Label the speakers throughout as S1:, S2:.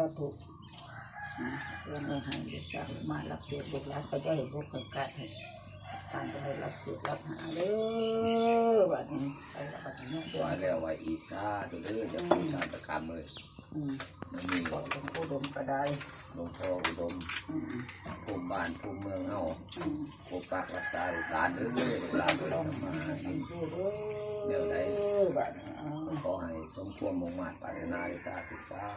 S1: ธุเรื่องให้ลูกสาวมารับเสียลูกหลานก็จะให้พวกคนกัดให้การจะให้รับเสียรับหาเด้อบัดนี้ไปแล้วบัดนี้
S2: ว่าแล้วว่าอีกซาตัวเด้อจะมีการประกรรมเลยมันมี
S1: บอกหลวงปู่ดมก็ได้
S2: หลวงพ่ออุดมภูมิบ้านภูมิเมืองเฮาปกปักรักษาหลานเด้อหลานเรามาเดี๋ยวได้
S1: บัดนี้
S2: ขอให้สมควรมุ่งมั่นปรารถนาในการศึกษา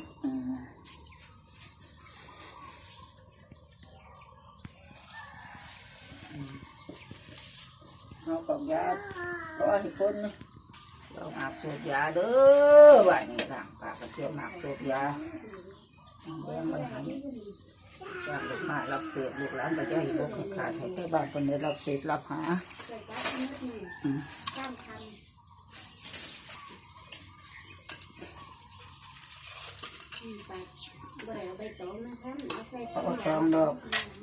S1: เรากับยาก็ให้คนเราหมักสูบยาเด้อบัดนี้ทางปากกระเทียมหมักสูบยาแดงไว้ให้จากลูกมารับเศษลูกหลานก็จะให้ลูกขาดให้ใช้บ้านคนนี้รับเศษรับหาเอาทองดอก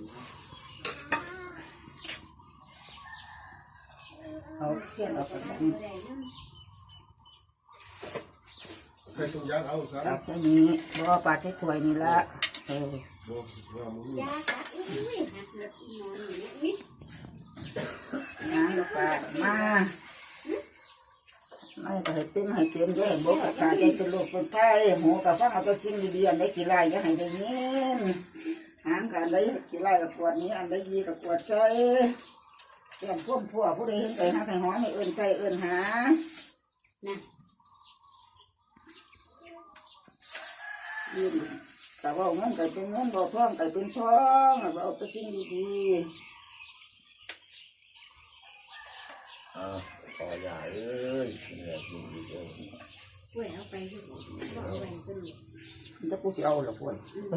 S1: เอาเทียนออกไป
S3: ใส่ถุงยางเอาซะ
S1: จากเช่นนี้เพราะว่าปลาที่ถ้วยนี่ละงานลูกปลามาไม่ก็ให้เต็มให้เต็มด้วยบุกขาใจเป็นลูกเป็นไข่หูกับฟังเอาตัวสิ่งดีๆอันใดกี่ไรอย่าให้ได้ยินหางกับอันใดกี่ไรกับปวดนี้อันใดยีกับปวดใจเรื่องพ่วงพัวผู้ใดเห็นใจหาใครหอไม่เอื่นใจเอื่นหายืนแต่ว่าเงินก็เป็นเงินบ่ท้องก็เป็นท้องเอาไปสิ่งดี
S2: ๆขออย่าเอ้ยเหนื่อยจริงๆเลย
S4: ป่วยเอาไปที่บ่เอาไปก็ดู
S1: ถ้ากูจะเอาหรอป่วย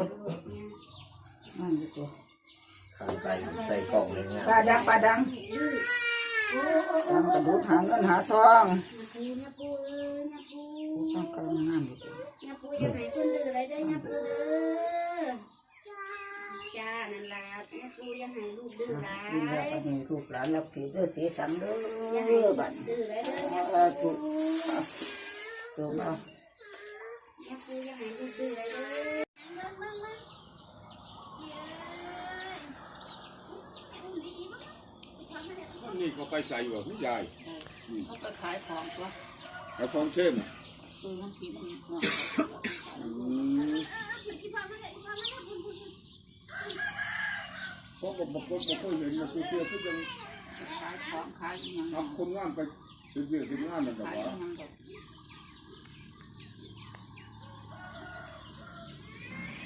S1: นั่นดีกว่า
S2: ข้างใส่กล่องเลยเนี่ย
S1: ปลาดังทำกระดูกหาเงินหาทองต้องการงานดีกว่า
S4: ปูจะให้คนดื้ออะไรได้นะปูเด้อจ้านั่นล่ะปูจะให้ลูกดื้อหลาย
S1: นี่ลูกหลานรับสีเด้อสีสังเด้อบัด
S4: ดื้ออะไรเด้อ
S1: ถูกมา
S4: ปูจะให้ลูกดื้ออะไรเด้
S3: อนี่เขาไปใส่บ่พี่ยาย
S1: เขาไปขายของตัว
S3: เอาของเข้ม
S1: น้ำกิน
S3: เขาบอกเห็นมาเชื่อที่จะ
S1: ขายของขายยัง
S3: ทำคนงานไปเป็นเรื่องเป็นงานนั่นแหละวะ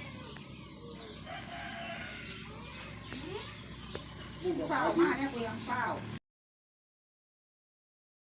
S1: เฝ้ามาเนี่ยกูยังเฝ้า